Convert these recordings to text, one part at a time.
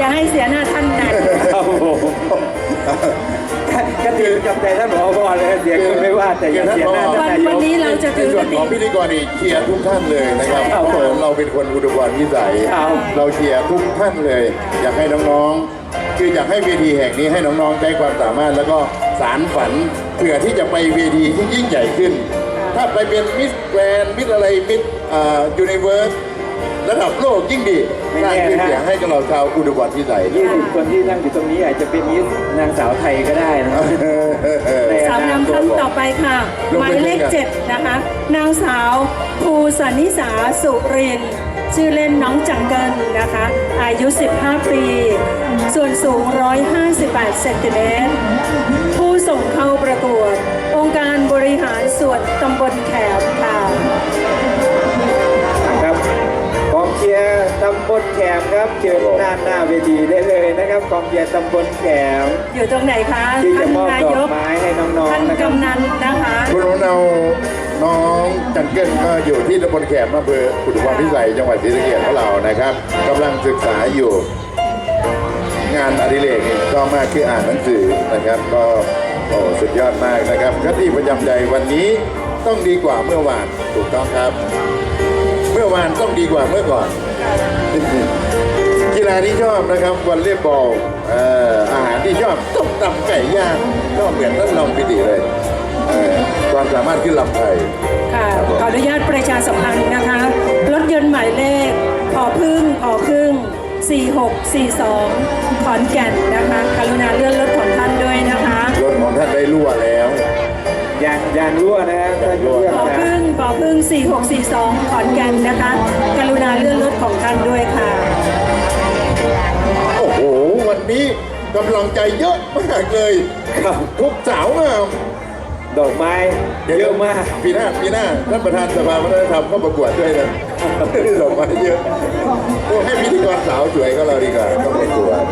ให้เสียหน้าท่านนะครับผมก็ถือกับใจท่านผอ.เลยเสียงไม่ว่าแต่อย่าเสียหน้าท่านนายกวันนี้เราจะในถือส่วนของพิธีกรอีกเชียร์ทุกท่านเลยนะครับครับผมเราเป็นคนอุดมวิสัยครับเราเชียร์ทุกท่านเลย อยากให้น้องๆคืออยากให้เวทีแห่งนี้ให้น้องๆใช้ความสามารถแล้วก็สารฝันเพื่อที่จะไปเวทีที่ยิ่งใหญ่ขึ้น ถ้าไปเป็นมิสแกรนด์มิสอะไรมิสยูนิเวิร์สระดับโลกยิ่งดีไม่สร้างแน่ชื่อนะเสียงให้กับเราชาวอุดมวิสัย 20 คนที่นั่งอยู่ตรงนี้อาจจะเป็นมิสนางสาวไทยก็ได้นะในสาวงามท่านต่อไปค่ะ หมายเลข7นะคะ นางสาวภูสันนิสาสุรินทร์ชื่อเล่นน้องจังเกิลนะคะ อายุ 15 ปี ส่วนสูง 158 เซนติเมตร ผู้ส่งเข้าประกวด องค์การบริหารส่วนตำบลแขมค่ะครับกองเชียร์ตำบลแขมครับเชิญหน้าเวทีได้เลยนะครับกองเชียร์ตำบลแขมอยู่ตรงไหนคะที่ท่าจะนมอบนาดอย กกไม้ให้น้องท่านๆนะครับกำนันนะคะคุณเราน้องจันเกิลก็อยู่ที่ตำบลแขมอำเภออุดมพิสัยจังหวัดศรีสะเกษของเรานะครับกำลังศึกษาอยู่ งานอดิเรกก็มากคืออ่านหนังสือนะครับ ก็โอ้สุดยอดมากนะครับคติประจำใจวันนี้ต้องดีกว่าเมื่อวานถูกต้องครับ เมื่อวานต้องดีกว่าเมื่อก่อน กีฬาที่ชอบนะครับวอลเลย์บอลอาหารที่ชอบต้มตำไก่ย่างก็เหมือนท่านรองพิธีเลยความสามารถขึ้นลำไทยค่ะขออนุญาตประชาสัมพันธ์นะคะ รถยนต์หมายเลขพอพึ่ง4642 ขอนแก่นนะคะ กรุณาเลื่อนรถของท่านด้วยนะคะรถของท่านได้รั่วแล้วยางรั่วนะฮะท่านเพื่อนพอนะพึ่ง4642 ขอนแก่นนะคะ กรุณาเลื่อนรถของท่านด้วยค่ะโอ้โห วันนี้กำลังใจเยอะมากเลยครับทุกสาวงามดอกไม้เยอะมากปีหน้าท่านประธานสภาวัฒนธรรมก็ประกวดด้วยนะดอกไม้เยอะโอ้ให้พิธีกรสาวสวยก็เราดีกว่าต้องประกวด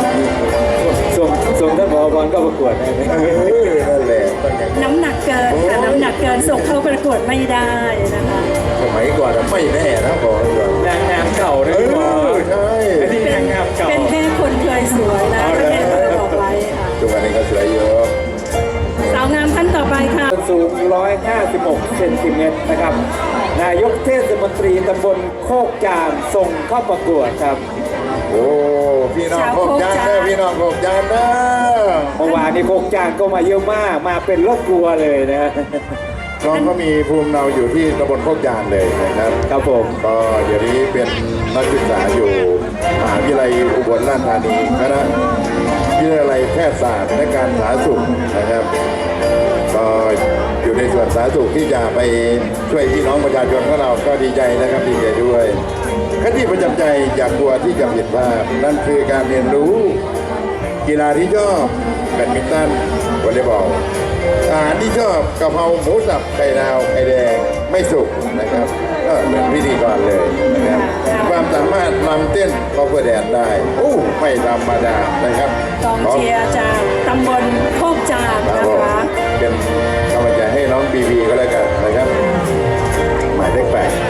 ส่งท่านผอ.ก็ประกวดนะนั่นแหละต้องอย่างนั้นน้ำหนักเกินค่ะ น้ำหนักเกินส่งเข้าประกวดไม่ได้นะคะสมัยก่อนไม่แน่นะบอกก่อนนางงามเก่านะพี่ผอ. ใช่อันนี้นางงามเก่าเป็นแค่คนเคยสวยนะประเทศเราบอกไว้ค่ะทุกวันนี้ก็สวยเยอะสาวงามท่านต่อไปค่ะสูง 156 เซนติเมตรนะครับ นายกเทศมนตรีตำบลโคกจานส่งเข้าประกวดครับโอ้พี่น้องโคกจานเด้อพี่น้องโคกจานเด้อเมื่อวานนี้โคกจานก็มาเยอะมาก มาเป็นรถทัวร์เลยนะน้องก็มีภูมิเราอยู่ที่ตำบลโคกจานเลยนะครับครับผมก็เดี๋ยวนี้เป็นนักศึกษาอยู่มหาวิทยาลัยอุบลราชธานีคณะวิทยาลัยแพทยศาสตร์และการสาธารณสุขนะครับ ก็อยู่ในส่วนสาธารณสุขที่จะไปช่วยพี่น้องประชาชนของเราก็ดีใจนะครับดีใจด้วยคติประจำใจอย่ากลัวที่จะผิดพลาดนั่นคือการเรียนรู้กีฬาที่ชอบแบดมินตันวอลเลย์บอลอาหารที่ชอบกะเพราหมูสับไข่ดาวไข่แดงไม่สุกนะครับก็เหมือนพิธีกรเลยนะครับความสามารถลำเต้นก็เพื่อแดนได้โอ้ไม่ธรรมดานะครับกองเชียร์จากตำบลโคกจานครับนะผมคะเป็นกำลังใจให้น้องบีบีก็แล้วกันนะครับ หมายเลขแปด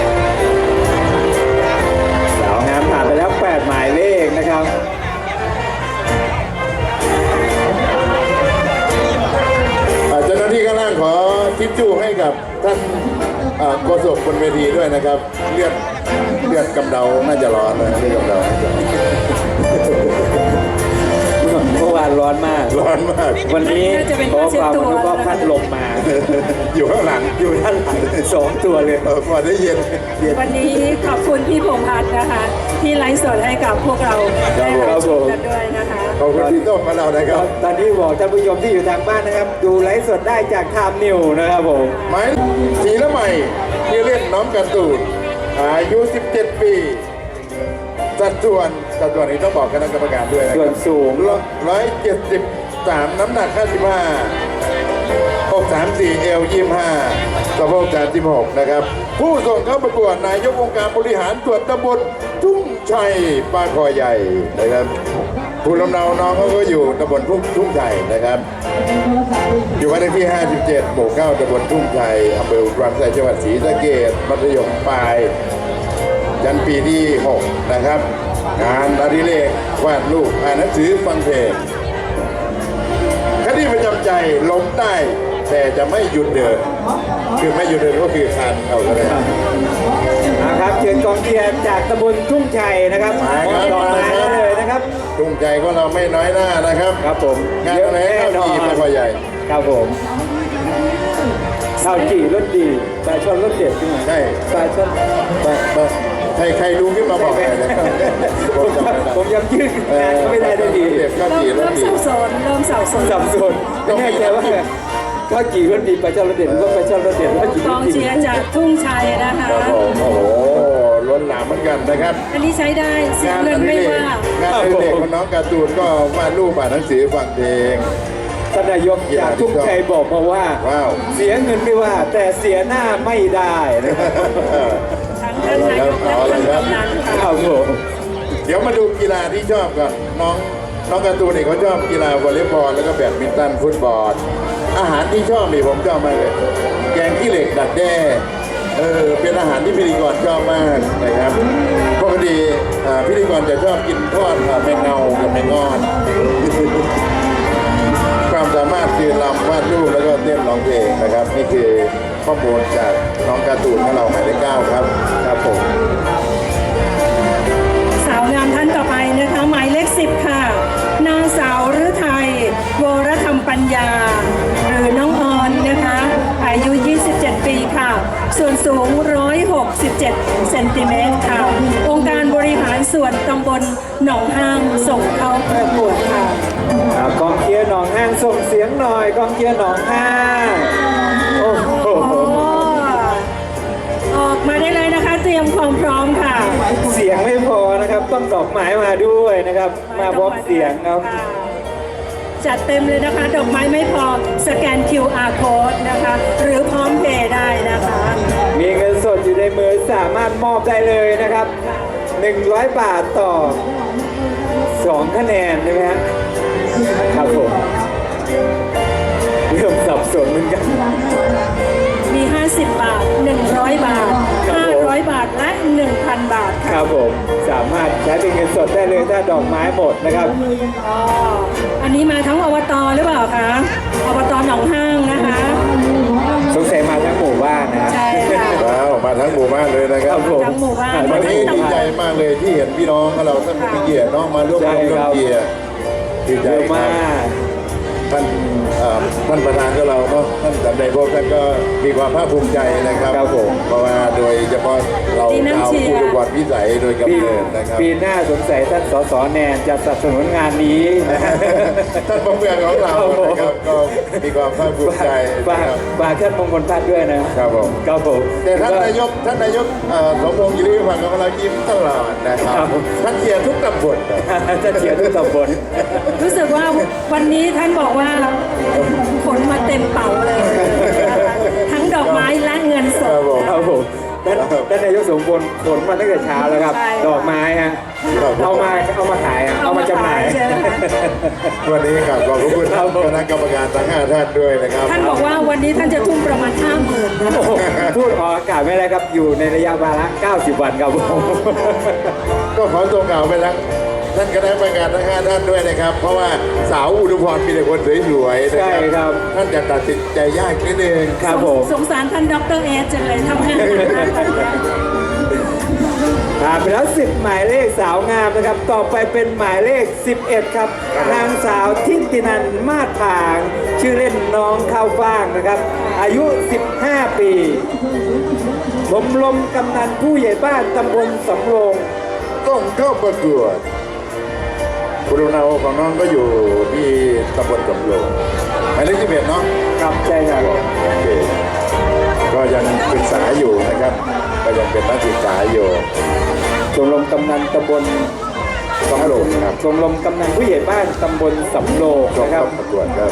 สาวงามผ่านไปแล้ว 8 หมายเลขนะครับเจ้าหน้าที่ข้างล่างขอทิชชู่ให้กับท่านโฆษกบนเวทีด้วยนะครับ เลือดกำเดาน่าจะร้อนนะเลือดกำเดาน่าจะเมื่อวานร้อนมากร้อนมากวันนี้ขอความอนุเคราะห์พัดลมมาอยู่ข้างหลังอยู่ด้านหลัง2 ตัวเลยพอได้เย็นวันนี้ขอบคุณพี่พงษ์พัฒน์นะคะ ที่ไลฟ์สดให้กับพวกเราได้รับชมกันด้วยนะคะขอบคุณพี่โต้งของเรานะครับตอนนี้บอกท่านผู้ชมที่อยู่ทางบ้านนะครับ ดูไลฟ์สดได้จากไทม์นิวนะครับผมหมายสีละใหม่ที่เล่นน้องการ์ตูนอายุ 17 ปี สัดส่วนนี้ต้องบอกคณะกรรมการด้วยนะคส่วรันบสูง 173 น้ำหนัก 55 634 เอล 25 สะโพก36 นะครับ ผู้ส่งเข้าประกวดนายกองค์การบริหารส่วนตำบลทุ่งชัยปาคอใหญ่นะครับผู้ลำเนาน้องเขาก็อยู่ตำบลทุ่งชัยนะครับ อยู่บ้านเลขที่ 57 หมู่ 9 ตำบลทุ่งชัยอำเภออุดรธานีจังหวัดศรีสะเกษมัธยมปลาย ยันปีที่ 6 นะครับงานอดิเรกวาดรูปอ่านหนังสือฟังเพลงคดีประจำใจลงใต้แต่จะไม่หยุดเดินคือไม่หยุดเดินก็คือคานเอาก็ได้นะครับเชิญกองเชียร์จากตำบลทุ่งชัยนะครับมาครับดอกไม้มาเลยนะครับทุ่งใจก็เราไม่น้อยหน้านะครับครับผมงานอะไรเข้าทีไม่พอใหญ่ครับผมข้าวจี่รสดีปลาช่อนรสเด็ดขึ้นมาใช่ปลาช่อนใครรู้ขึ้นมาบอกหน่อยนะครับผมจำไม่ได้ผมยังยืดงานก็ไม่ได้ด้วยดีเด็กข้าวจี่รเริ่สมดีสับสนเริ่มสับสนสับสนไม่แน่ใจว่าข้าวจี่รสดีปลาช่อนรสเด็ดหรือว่าปลาช่อนรสเด็ดข้าวจี่กรองสดีเชียร์จากทุ่งชัยนะคะครับผมโอ้โหล้นหลามเหมือนกันนะครับอันนี้ใช้ได้เสียเงินไม่ว่างานอดิเรกของน้องการ์ตูนก็วาดรูปอ่านหนังสือฟังเพลงท่านนายกจากทุ่งชัยบอกมาว่าว้าวเสียเงินไม่ว่า แต่เสียหน้าไม่ได้นะครับทั้งท่านนายกและท่านกำนันค่ะครับผมเดี๋ยวมาดูกีฬาที่ชอบก่อนน้องการ์ตูนเนี่ยเขาชอบกีฬาวอลเลย์บอลแล้วก็แบดมินตันฟุตบอลอาหารที่ชอบนี่ผมชอบมากเลย แกงขี้เหล็กดักแด้เป็นอาหารที่พิธีกรชอบมากนะครับปกติพิธีกรจะชอบกินทอดแมงเงากับแมงงอน ความสามารถคือรำวาดรูปแล้วก็เต้นร้องเพลงนะครับนี่คือข้อมูลจากน้องการ์ตูนของเราหมายเลข9ครับครับผมสาวงามท่านต่อไปนะคะหมายเลข10ค่ะนางสาวฤทัยวรธรรมปัญญา หรือน้องออนนะคะอายุ 27 ปีค่ะ ส่วนสูง 167 เซนติเมตรค่ะ องค์การบริหารส่วนตำบลหนองห้างส่งเข้าประกวดค่ะกองเชียร์หนองห้างส่งเสียงหน่อยกองเชียร์หนองห้างโอ้โหโอ้ออกมาได้เลยนะคะ เตรียมความพร้อมค่ะเสียงไม่พอนะครับต้องดอกไม้มาด้วยนะครับ มาพร้อมเสียงครับจัดเต็มเลยนะคะ ดอกไม้ไม่พอสแกน QR code นะคะ หรือพร้อมเพย์ได้นะคะมีเงินสดอยู่ในมือสามารถมอบได้เลยนะครับ 100 บาทต่อ 2 คะแนนใช่ไหมฮะครับผมเริ่มสับสนเหมือนกันมี 50 บาท 100 บาท 500 บาท และ 1,000 บาทคค่ะรับผมสามารถใช้เป็นเงินสดได้เลยถ้าดอกไม้หมดนะครับอ๋ออันนี้มาทั้งอบตหรือเปล่าคะอบตหนองห้างนะคะสงสัยมาทั้งหมู่บ้านนะใช่ค่ะว้าวมาทั้งหมู่บ้านเลยนะครับผมทั้งหมู่บ้านวันนี้ดีใจมากเลยที่เห็นพี่น้องของเราท่านผู้เกียรติน้องมาร่วมใช่ร่วมครับเกียรติดีใจเยอะครัมาบกท่านประธานของเราเนาะท่านสำเร็จพวกท่านก็มีความภาคภูมิใจนะครับครับผมเพราะว่าโดยเฉพาะเราดีนะชาวเชียร์ผู้ดูบอลวิสัยโดยปีกำเนิดนะครับปีหน้าสงสัยท่านสสแนนจะสนับสนุนงานนี้ท่านประเมืองของเรานะครับก็มีความภาคภูมิใจฝากนะครับฝากท่านมงคลพัฒน์ด้วยนะครับผมครับผมแต่ท่านนายกสมพงษ์ยิริพันธ์ของเรายิ้มตลอดนะครับท่านเชียร์ทุกตำบลท่านเชียร์ทุกตำบลรู้สึกว่าวันนี้ท่านบอกว่าขนมาเต็มเป๋าเลยนะคะทั้งดอกไม้และเงินสครัดบผมครับผมท่านนายกสมบูรณ์ขนมาตั้งแต่เช้าแล้วครับใช่ดอกไม้ฮะครับเอามาขายฮะเอามาจำหน่ายใช่ไหมคะวันนี้ครับขอบคุณครับผมคณะกรรมการทั้ง5ท่านด้วยนะครับท่านบอกว่าวันนี้ท่านจะทุ่มประมาณ 50,000นะโอ้โหพูดออกอากาศไม่ได้ครับอยู่ในระยะเวลา90 วันครับผมก็ขอส่งข่าวไปทั้งท่านคณะกรรมการทั้ง5ท่านด้วยนะครับ เพราะว่าสาวอุดมพรมีแต่คนสวยๆนะใช่ครับท่านจะตัดสินใจยากนิดนึงครับผมสงสารท่านดรเอสจังเลยทำงานหนักมากเลยนะผ่านไปแล้ว10หมายเลขสาวงามนะครับ ต่อไปเป็นหมายเลข11ครับนางสาวทิตินันท์มาศผางชื่อเล่นน้องข้าวฟ่างนะครับ อายุ 15 ปีชมรมกำนันผู้ใหญ่บ้านตำบลสำโรงต้องเข้าประกวดคุณลุงนาของน้องก็อยู่ที่ตำบลสำโรงหมายเลข11เนาะครับใช่ครับโอเคก็ยังศึกษาอยู่นะครับ ก็ยังเป็นนักศึกษาอยู่ชมรมกำนันตำบลสำโรงครับชมรมกำนันผู้ใหญ่บ้านตำบลสำโรงต้องนะครัเข้าบประกวดครับ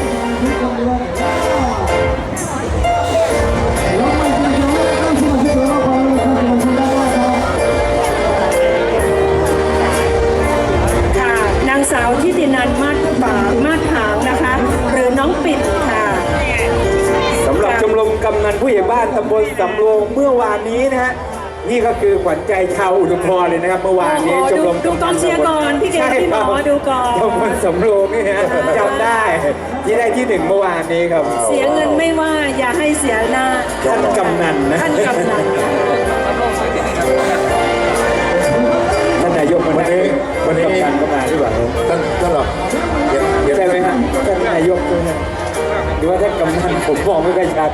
ค่ะนางสาวทิตินันท์มาศผางนะคะ หรือน้องปิ่นค่ะสำหรับชมรมกำนันผู้ใหญ่บ้านตำบลสำโรงเมื่อวานนี้นะฮะนี่ก็คือขวัญใจชาวอุทุมพรเลยนะครับเมื่อวานนี้โอ้โหชมรมดูกองเชียร์ก่อนพี่เกศใช่พี่หมอครับดูก่อนชมรมสำโรงนี่ฮะจำได้ที่ได้ที่หนึ่งเมื่อวานนี้ครับเสียเงินไม่ว่าอย่าให้เสียหน้าท่านกำนันนะท่านกำนันท่านนายกวันนี้วันกำนันก็มาหรือเปล่าท่านหรอกเห็นใช่ไหมฮะท่านนายกด้วยนะหรือว่าท่านกำนันผมมองไม่ค่อยชัด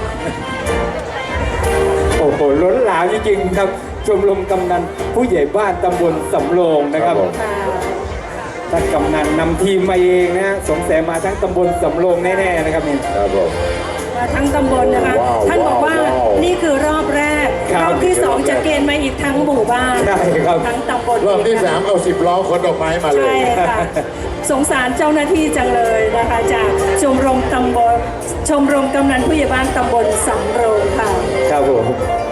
โอ้โหล้นหลามจริงๆครับชมรมกำนันผู้ใหญ่บ้านตำบลสำโรงนะครับ ท่านกำนันนำทีมมาเองนะสงสัยมาทั้งตำบลสำโรงแน่ๆนะครับนี่ครับผมมาทั้งตำบลนะคะว้าวท่านบอกว่าว้าวนี่คือรอบแรกครับรอบที่สองจะเกณฑ์มาอีกทั้งหมู่บ้านใช่ครับทั้งตำบลรอบที่กนะ 3เอา10 ล้อขนดอกไม้มาเลใช่ยค่ะ สงสารเจ้าหน้าที่จังเลยนะคะจากชมรมตำบลชมรมกำนันผู้ใหญ่บ้านตำบลสำโรงค่ะครับผม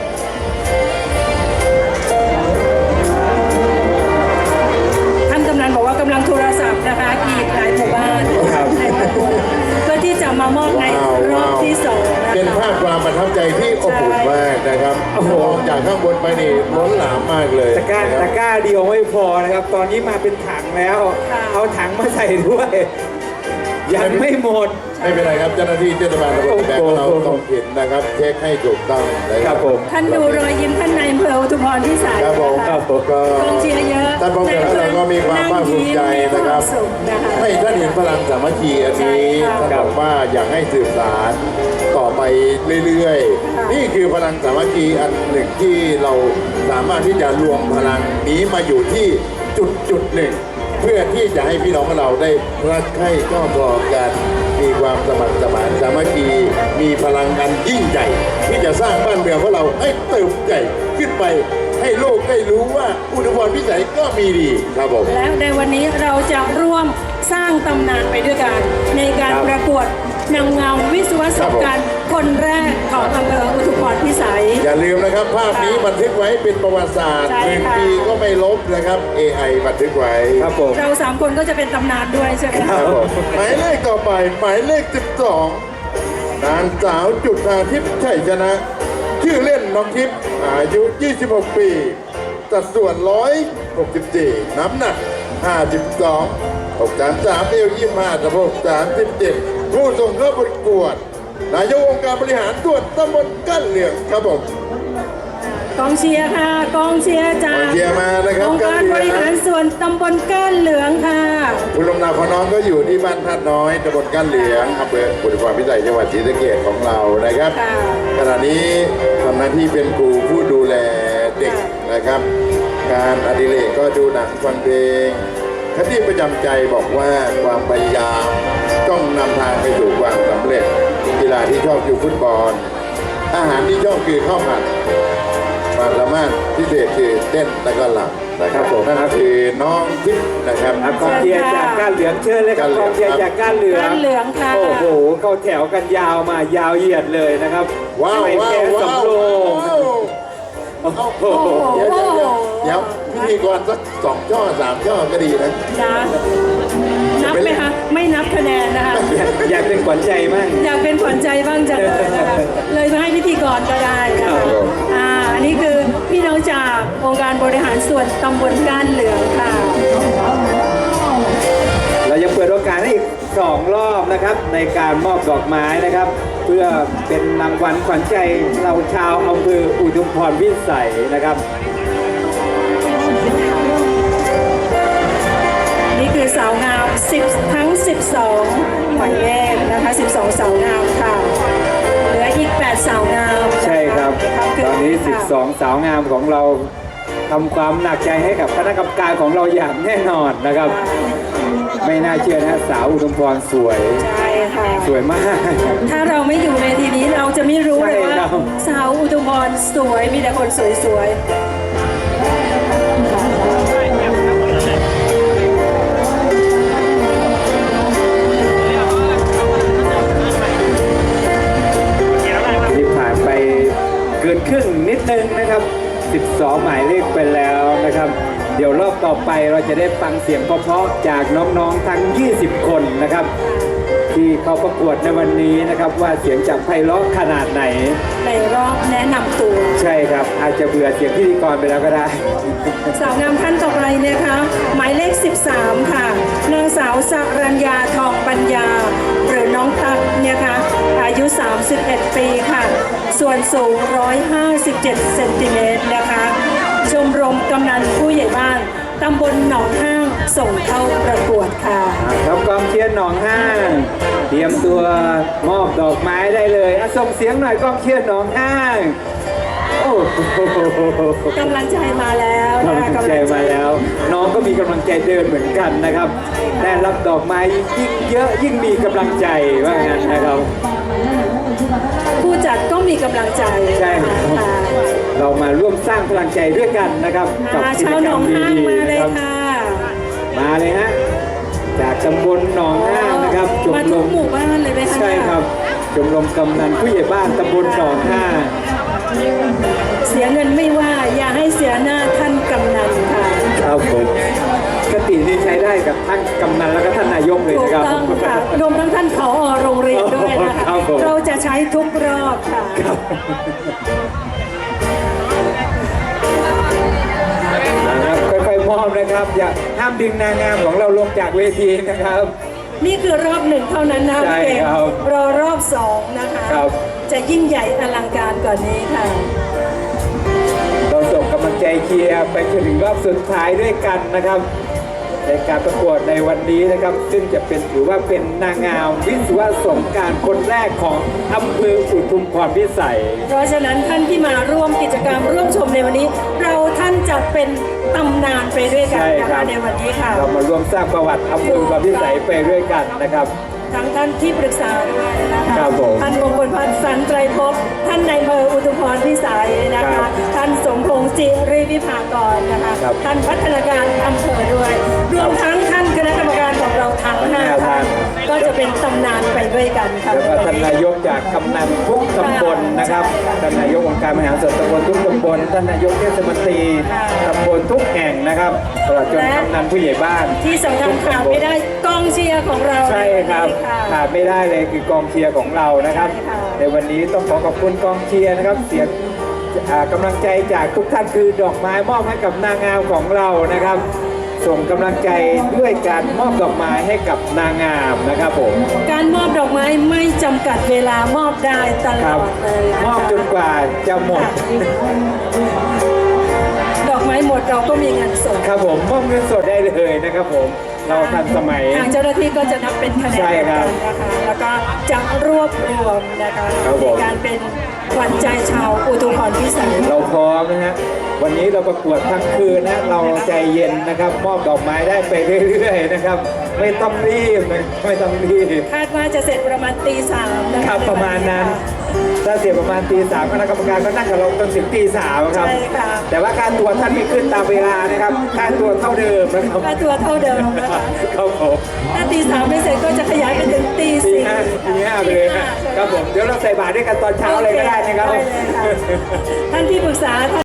ท่านกำนันบอกว่ากำลังโทรศัพท์นะคะอีกหลายหมู่บ้านในตำบลเพื่อที่จะมามอบในรอบที่สองนะคะเป็นภาพความประทับใจที่อบอุ่นมากนะครับมองจากข้างบนไปนี่ล้นหลามมากเลยตะกร้านะคตะรับกร้าเดียวไม่พอนะครับ ตอนนี้มาเป็นถังแล้ว เอาถังมาใส่ด้วย ยังไม่หมดไม่เป็นไรครับเจ้าหน้าที่เทศบาลตำบลแบงเราต้องเห็นนะครับเช็คให้ถูกต้องนะคครัรับบผมท่านดูรอยยิ้มท่านนายอำเภออุทุมพรพิสัยครับผมนะคคะรับผมก็กองเชียร์เยอะท่านป้องกันเราก็มีความภาคภูมิใจนะครับมีวามสุขนะคะให้ท่านเห็นพลังสามัคคีอันนี้ใช่ค่ะท่านบอกว่าอยากให้สืบสานต่อไปเรื่อยค่ะๆ นี่คือพลังสามัคคีอันหนึ่งที่เราสามารถที่จะรวมพลังนี้มาอยู่ที่จุดหนึ่ง เพื่อที่จะให้พี่น้องของเราได้รักใคร่ชอบพอกันมีความสมัครสมานสามัคคีมีพลังกันยิ่งใหญ่ ที่จะสร้างบ้านเมืองของเราให้เติบใหญ่ขึ้นไป ให้โลกได้รู้ว่าอุดมพรพิสัยก็มีดีครับผมและในวันนี้เราจะร่วมสร้างตำนานไปด้วยกัน ในการครับประกวดนางงามวิศวศกรคนแรกของอำเภออุทุมพรพิสัยอย่าลืมนะครับ ภาพนี้บันทึกไว้เป็นประวัติศาสตร์ใช่หนึ่งค่ะปีก็ไม่ลบนะครับ AI บันทึกไว้ครับผมเราสามคนก็จะเป็นตำนานด้วยใช่ไหมคคะรับผมหมายเลขต่อไปหมายเลข 12 นางสาวจุฑาทิพย์ชัยชนะ ชื่อเล่นน้องทิพย์อายุ 26 ปีสัดส่วน 164 น้ำหนัก 52 633เอว25สะโพก37 ผู้ส่งเข้าประกวด นายกองค์การบริหารส่วนตำบลกั้นเหลืองครับผมกองเชียร์ค่ะกองเชียร์จากกองเชียร์มานะครับองค์การบริหารส่วนตำบลก้านเหลืองค่ะคุณลำนาของน้องก็อยู่ที่บ้านท่าน้อยตำบลกั้นเหลืองอำเภออุทุมพรพิสัยจังหวัดศรีสะเกษของเรานะครับค่ะขณะนี้ทำหน้าที่เป็นครูผู้ดูแลเด็กนะครับ การอดิเรกก็ดูหนังฟังเพลงคติประจำใจบอกว่าความพยายามต้องนำทางไปสู่ความสำเร็จ กีฬาที่ชอบคือฟุตบอล อาหารที่ชอบคือข้าวผัดความสามารถพิเศษคือเต้นและก็หลับนะครับผมนั่นก็คือน้องทิพย์นะครับอ่ะกองเชียร์จากก้านเหลืองเชิญเลยครับกองเชียร์จากก้านเหลืองก้านเหลืองค่ะโอ้โหเข้าแถวกันยาวมายาวเหยียดเลยนะครับว้าวไม่ว้าแพ้วว้าสำวโรงโอ้โหเดี๋ยวพิธีกรสัก2 ช่อ 3 ช่อก็ดีนะนะนับไหมคะไม่นับคะแนนนะคะอยากเป็นขวัญใจมั่งอยากเป็นขวัญใจบ้างจังเลยนะคะเลยมาให้พิธีกรก็ได้นะครัคะบอันนี้คือพี่น้องจากองค์การบริหารส่วนตำบลก้านเหลืองค่ะเรายังเปิดโอกาสให้อีก2 รอบนะครับในการมอบดอกไม้นะครับ เพื่อเป็นรางวัลขวัญใจเราชาวอำเภออุทุมพรพิสัยนะครับนี่คือสาวงาม10ทั้ง 12 หมายเลขนะคะ 12 สาวงามค่ะ เหลืออีก 8 สาวงามนะะใช่ครับ ตอนนี้ค่ะ 12 สาวงามของเราทำความหนักใจให้กับคณะกรรมการของเราอย่างแน่นอนนะครับ ไม่น่าเชื่อนะสาวอุทุมพรสวยใช่ค่ะสวยมากถ้าเราไม่อยู่ในทีนี้เราจะไม่รู้เลยว่าใช่ครับสาวอุทุมพรสวยมีแต่คนสวยๆที่ผ่านไปเกินครึ่งนิดนึงนะครับ 12 หมายเลขไปแล้วนะครับ เดี๋ยวรอบต่อไปเราจะได้ฟังเสียงเพราะๆจากน้องๆทั้ง 20 คนนะครับที่เขาประกวดในวันนี้นะครับว่าเสียงจะไพเราะขนาดไหนในรอบแนะนำตัวใช่ครับอาจจะเบื่อเสียงพิธีกรไปแล้วก็ได้สาวงามท่านต่อไปนะคะหมายเลข 13 ค่ะนางสาวสรัญญาทองปัญญาหรือน้องตั๊กเนี่ยค่ะอายุ 31 ปีค่ะ ส่วนสูง 157 เซนติเมตรนะคะ ชมรมกำนันผู้ใหญ่บ้านตำบลหนองห้างส่งเข้าประกวดค่ะครับกองเชียร์หนองห้าง เตรียมตัวมอบดอกไม้ได้เลยอ่ะส่งเสียงหน่อยกองเชียร์หนองห้างโอ้โหกำลังใจมาแล้วนะคะกำลังใจมาแล้ว น้องก็มีกำลังใจเดินเหมือนกันนะครับได้รับดอกไม้ยิ่งเยอะยิ่งมีกำลังใจว่างั้นนะครับผู้จัดก็มีกำลังใจใช่ครับค่ะเรามาร่วมสร้างพลังใจด้วยกันนะครับกับกิชาจวหกนรรอมงห้างดีมาๆเลนะยครับค่ะมาเลยฮะจากตำบลหนองห้างนะครับชมมาร ทุกมหมู่บ้านเลยไหมคะใช่ครับชมรมกำนันผู้ใหญ่บ้านตำบลหนองห้างเสียเงินไม่ว่าอย่าให้เสียหน้าท่านกำนันค่ะครับผมกตินี้ใช้ได้กับทั้งกำนันแล้วก็ท่านนายกเลยถูนะกครับต้องค่ะรวมทั้งท่านผอโรงเรียนด้วยนะคะครับผมเราจะใช้ทุกรอบค่ะนะครับค่อยๆมอบนะครับอย่าห้ามดึงนางงามของเราลงจากเวทีนะครับนี่คือรอบหนึ่งเท่านั้นนะใช่พี่เอกครับรอรอบสองนะคะครับจะยิ่งใหญ่อลังการกว่านี้ค่ะเราส่งกำลังใจเชียร์ไปจนถึงรอบสุดท้ายด้วยกันนะครับในการประกวดในวันนี้นะครับ ซึ่งจะเป็นถือว่าเป็นนางงามวิศวะสงกรารคนแรกของอำเภออุทุมพรพิสัยเพราะฉะนั้นท่านที่มาร่วมกิจกรรมร่วมชมในวันนี้ เราท่านจะเป็นตำนานไปด้วยกันใช่นะครัคะบในวันนี้ค่ะเรามาร่วมสร้างประวัติอำเภออุทุมพรพิสัยไปด้วยกันนะครับทั้งท่านที่ปรึกษาด้วยนะคะครับผมท่านมงคลพันธ์สันไตรภพท่านนายอำเภออุทุมพรพิสัยนะครัคะบท่านสมพงษ์จิริวิภากรนะคะครับท่านพัฒนาการอำเภอด้วย รวมทั้งท่านคณะกรรมการของเราทั้งห้าท่านก็จะเป็นตำนานไปด้วยกันค่ะแล้วก็ท่านนายกจากกำนันทุกตำบลนะครับท่านนายกองค์การบริหารส่วนตำบลทุกตำบลท่านนายกเทศมนตรีตำบลทุกแห่งนะครับตลอดจนกำนันผู้ใหญ่บ้านที่สำคัญขาดไม่ได้กองเชียร์ของเราใช่ครับค่ะขาดไม่ได้เลยคือกองเชียร์ของเรานะครับใช่ค่ะในวันนี้ต้องขอบคุณกองเชียร์นะครับ เสียงกำลังใจจากทุกท่านคือดอกไม้มอบให้กับนางงามของเรานะครับ ส่งกำลังใจด้วยการมอบดอกไม้ให้กับนางงามนะครับผมการมอบดอกไม้ไม่จำกัดเวลามอบได้ตลครัอบ ดเลยนะคะมอบจนกว่าจะหมดดอกไม้หมดเราก็มีเงินสดครับผมมอบเงินสดได้เลยนะครับผมเราทันสมัยทางเจ้าหน้าที่ก็จะนับเป็นคะแนนใช่ครับนะคะแล้วก็จะรวบรวมนะคะครับผมในการเป็นขวัญใจชาวอุทุมพรพิสัยเราพร้อมนะฮะวันนี้เราประกวดทั้งคืนนะเราใจเย็นนะครับ มอบดอกไม้ได้ไปเรื่อยๆนะครับ ไม่ต้องรีบนะไม่ต้องรีบคาดว่าจะเสร็จประมาณตีสามนะคคะรับประมาณนั้น ถ้าเสียประมาณตีสามคณะกรรมการก็นั่งกับเราจนถึงตีสามครับใช่ค่ะแต่ว่าการตัวท่านไม่ขึ้นตามเวลานะครับค่าตัวเท่าเดิมนะครับค่าตัวเท่าเดิมนะคะครับผมถ้าตีสามไม่เสร็จก็จะขยายไปถึงตีตีสี่ห้าไปเลยนะครับผมเดี๋ยวเราใส่บาตรด้วยกันตอนเช้าเลยก็ได้นะครับได้เลยค่ะท่านที่ปรึกษา